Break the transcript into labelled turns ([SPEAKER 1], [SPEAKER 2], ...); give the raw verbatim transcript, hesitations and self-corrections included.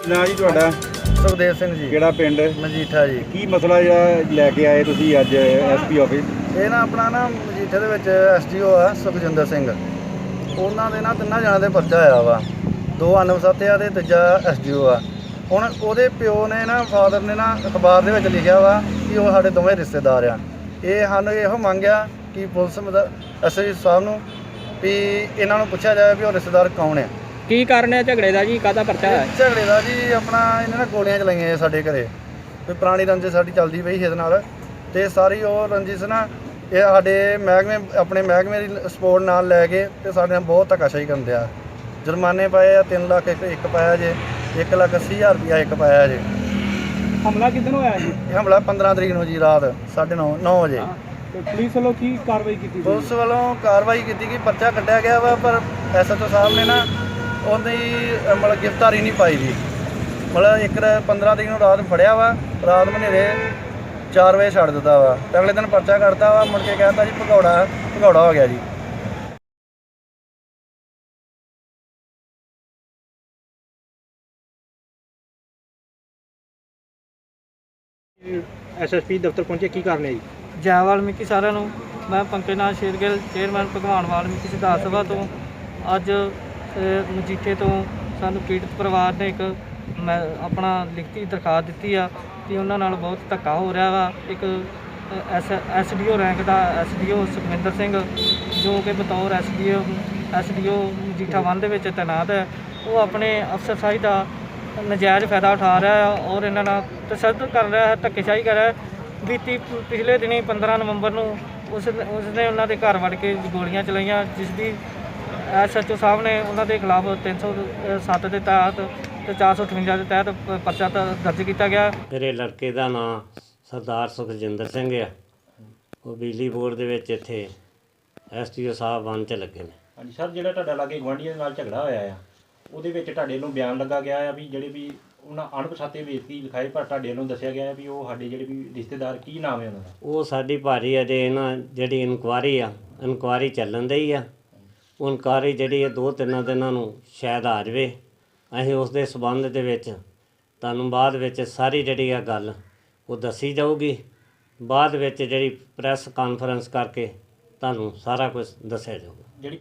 [SPEAKER 1] ਨਾ ਜੀ ਤੁਹਾਡਾ
[SPEAKER 2] ਸੁਖਦੇਵ ਸਿੰਘ ਜੀ,
[SPEAKER 1] ਕਿਹੜਾ ਪਿੰਡ
[SPEAKER 2] ਮਜੀਠਾ ਜੀ।
[SPEAKER 1] ਕੀ ਮਸਲਾ ਜਿਹੜਾ ਲੈ ਕੇ ਆਏ ਤੁਸੀਂ ਅੱਜ ਐਸਪੀ ਆਫਿਸ?
[SPEAKER 2] ਇਹ ਨਾ ਆਪਣਾ ਨਾ ਮਜੀਠੇ ਦੇ ਵਿੱਚ ਐਸਡੀਓ ਆ ਸੁਖਜਿੰਦਰ ਸਿੰਘ, ਉਹਨਾਂ ਦੇ ਨਾ ਤਿੰਨਾਂ ਜਣਾਂ ਦੇ ਪਰਚਾ ਆਇਆ ਵਾ। ਦੋ ਅਨਵਸਤ ਆ ਤੇ ਤੀਜਾ ਐਸਡੀਓ ਆ। ਹੁਣ ਉਹਦੇ ਪਿਓ ਨੇ ਨਾ ਫਾਦਰ ਨੇ ਨਾ ਅਖਬਾਰ ਦੇ ਵਿੱਚ ਲਿਖਿਆ ਵਾ ਕਿ ਉਹ ਸਾਡੇ ਦੋਵੇਂ ਰਿਸ਼ਤੇਦਾਰ ਆ। ਇਹ ਸਾਨੂੰ ਇਹੋ ਮੰਗਿਆ ਕਿ ਪੁਲਿਸ ਐਸਐਸਪੀ ਸਾਹਿਬ ਨੂੰ ਵੀ ਇਹਨਾਂ ਨੂੰ ਪੁੱਛਿਆ ਜਾਵੇ ਵੀ ਉਹ ਰਿਸ਼ਤੇਦਾਰ ਕੌਣ ਆ।
[SPEAKER 3] ਕੀ ਕਾਰਨ ਹੈ ਝਗੜੇ ਦਾ ਜੀ? ਕਾਹਦਾ ਪਰਚਾ ਹੈ?
[SPEAKER 2] ਝਗੜੇ ਦਾ ਜੀ ਆਪਣਾ ਇਹਨਾਂ ਨੇ ਗੋਲੀਆਂ ਚਲਾਈਆਂ ਸਾਡੇ ਘਰੇ, ਕੋਈ ਪੁਰਾਣੀ ਰੰਜਿਸ਼ ਸਾਡੀ ਚੱਲਦੀ ਪਈ ਸੀ ਇਹਦੇ ਨਾਲ, ਤੇ ਸਾਰੀ ਉਹ ਰੰਜਿਸ਼ ਨਾ ਇਹ ਸਾਡੇ ਮਹਿਕਮੇ ਆਪਣੇ ਮਹਿਕਮੇ ਦੀ ਸਪੋਰਟ ਨਾਲ ਲੈ ਕੇ ਤੇ ਸਾਡੇ ਨਾਲ ਬਹੁਤ ਧੱਕਾਸ਼ਾਹੀ ਕਰਨ ਦਿਆ। ਜੁਰਮਾਨੇ ਪਾਏ ਆ ਤਿੰਨ ਲੱਖ ਇੱਕ ਇੱਕ ਪਾਇਆ ਜੇ, ਇੱਕ ਲੱਖ ਅੱਸੀ ਹਜ਼ਾਰ ਰੁਪਇਆ ਇੱਕ ਪਾਇਆ ਜੇ।
[SPEAKER 3] ਹਮਲਾ ਕਿੱਦਣ ਹੋਇਆ ਜੀ?
[SPEAKER 2] ਇਹ ਹਮਲਾ ਪੰਦਰਾਂ ਤਰੀਕ ਨੂੰ ਜੀ ਰਾਤ ਸਾਢੇ ਨੌ ਨੌ ਵਜੇ।
[SPEAKER 3] ਤੇ ਪੁਲਿਸ ਵੱਲੋਂ ਕੀ ਕਾਰਵਾਈ ਕੀਤੀ?
[SPEAKER 2] ਪੁਲਿਸ ਵੱਲੋਂ ਕਾਰਵਾਈ ਕੀਤੀ ਕਿ ਪਰਚਾ ਕੱਢਿਆ ਗਿਆ ਵਾ, ਪਰ ਐਸਐਚਓ ਸਾਹਿਬ ਨੇ ਨਾ ਉਹਦੀ ਮਤਲਬ ਗ੍ਰਿਫਤਾਰੀ ਨਹੀਂ ਪਾਈ ਜੀ। ਮਤਲਬ ਇੱਕ ਪੰਦਰਾਂ ਤਰੀਕ ਨੂੰ ਰਾਤ ਫੜਿਆ ਵਾ, ਰਾਤ ਮਨੇਰੇ ਚਾਰ ਵਜੇ ਛੱਡ ਦਿੱਤਾ ਵਾ, ਤੇ ਅਗਲੇ ਦਿਨ ਪਰਚਾ ਕੱਢਤਾ ਵਾ। ਮੁੜ ਕੇ ਕਹਿੰਦਾ ਜੀ ਭਗੌੜਾ ਭਗੌੜਾ ਹੋ ਗਿਆ ਜੀ।
[SPEAKER 3] ਐਸਐਸਪੀ ਦਫ਼ਤਰ ਪਹੁੰਚੇ, ਕੀ ਕਾਰਨ ਹੈ ਜੀ?
[SPEAKER 4] ਜੈ ਵਾਲਮੀਕੀ ਸਾਰਿਆਂ ਨੂੰ। ਮੈਂ ਪੰਕਜ ਨਾਥ ਸ਼ੇਰਗਿੱਲ, ਚੇਅਰਮੈਨ ਭਗਵਾਨ ਵਾਲਮੀਕੀ ਸਿਧਾਰਥ ਸਭਾ ਤੋਂ। ਅੱਜ ਅ, ਮਜੀਠੇ ਤੋਂ ਸਾਨੂੰ ਪੀੜਤ ਪਰਿਵਾਰ ਨੇ ਇੱਕ ਮੈਂ ਆਪਣਾ ਲਿਖਤੀ ਦਰਖਾਸਤ ਦਿੱਤੀ ਆ ਕਿ ਉਹਨਾਂ ਨਾਲ ਬਹੁਤ ਧੱਕਾ ਹੋ ਰਿਹਾ ਵਾ। ਇੱਕ S S D O rank ਦਾ S D O Sukhwinder Singh, ਜੋ ਕਿ ਬਤੌਰ S D O S D O Majitha one ਦੇ ਵਿੱਚ ਤੈਨਾਤ ਹੈ, ਉਹ ਆਪਣੇ ਅਫਸਰਸ਼ਾਹੀ ਦਾ ਨਜਾਇਜ਼ ਫਾਇਦਾ ਉਠਾ ਰਿਹਾ ਆ ਔਰ ਇਹਨਾਂ ਨਾਲ ਤਸ਼ੱਦਦ ਕਰ ਰਿਹਾ ਹੈ, ਧੱਕੇਸ਼ਾਹੀ ਕਰ ਰਿਹਾ ਹੈ। ਬੀਤੀ ਪਿਛਲੇ ਦਿਨੀ ਪੰਦਰਾਂ ਨਵੰਬਰ ਨੂੰ ਉਸ ਉਸਨੇ ਉਹਨਾਂ ਦੇ ਘਰ ਵੜ ਕੇ ਗੋਲੀਆਂ ਚਲਾਈਆਂ, ਜਿਸ ਦੀ ਐਸ ਐਚ ਓ ਸਾਹਿਬ ਨੇ ਉਹਨਾਂ ਦੇ ਖਿਲਾਫ ਤਿੰਨ ਸੌ ਸੱਤ ਦੇ ਤਹਿਤ ਤੇ ਚਾਰ ਸੌ ਅਠਵੰਜਾ ਦੇ ਤਹਿਤ ਪਰਚਾ ਦਰਜ ਕੀਤਾ ਗਿਆ।
[SPEAKER 5] ਮੇਰੇ ਲੜਕੇ ਦਾ ਨਾਂ ਸਰਦਾਰ ਸੁਖਜਿੰਦਰ ਸਿੰਘ ਆ। ਉਹ ਬਿਜਲੀ ਬੋਰਡ ਦੇ ਵਿੱਚ ਇੱਥੇ ਐਸ ਟੀ ਓ ਸਾਹਿਬ ਬਣ 'ਚ ਲੱਗੇ ਨੇ।
[SPEAKER 6] ਹਾਂਜੀ ਸਰ, ਜਿਹੜਾ ਤੁਹਾਡਾ ਲਾਗੇ ਗੁਆਂਢੀਆਂ ਦੇ ਨਾਲ ਝਗੜਾ ਹੋਇਆ ਆ, ਉਹਦੇ ਵਿੱਚ ਤੁਹਾਡੇ ਵੱਲੋਂ ਬਿਆਨ ਲੱਗਾ ਗਿਆ ਆ ਵੀ ਜਿਹੜੇ ਵੀ ਉਹਨਾਂ ਅਣਪਛਾਤੇ ਵਿਅਕਤੀ ਲਿਖਾਏ, ਪਰ ਤੁਹਾਡੇ ਵੱਲੋਂ ਦੱਸਿਆ ਗਿਆ ਵੀ ਉਹ ਸਾਡੇ ਜਿਹੜੇ ਵੀ ਰਿਸ਼ਤੇਦਾਰ, ਕੀ ਨਾਮ ਹੈ ਉਹਨਾਂ ਦਾ?
[SPEAKER 5] ਉਹ ਸਾਡੀ ਭਾਰੀ ਅਜੇ ਨਾ ਜਿਹੜੀ ਇਨਕੁਆਰੀ ਆ, ਇਨਕੁਆਰੀ ਚੱਲਣ ਦੀ ਆ। ਉਹ ਇਨਕੁਆਰੀ ਜਿਹੜੀ ਹੈ ਦੋ ਤਿੰਨ ਦਿਨਾਂ ਨੂੰ ਸ਼ਾਇਦ ਆ ਜਾਵੇ। ਅਸੀਂ ਉਸ ਦੇ ਸਬੰਧ ਦੇ ਵਿੱਚ ਤੁਹਾਨੂੰ ਬਾਅਦ ਵਿੱਚ ਸਾਰੀ ਜਿਹੜੀ ਆ ਗੱਲ ਉਹ ਦੱਸੀ ਜਾਊਗੀ। ਬਾਅਦ ਵਿੱਚ ਜਿਹੜੀ ਪ੍ਰੈਸ ਕਾਨਫਰੰਸ ਕਰਕੇ ਤੁਹਾਨੂੰ ਸਾਰਾ ਕੁਝ ਦੱਸਿਆ ਜਾਊਗਾ।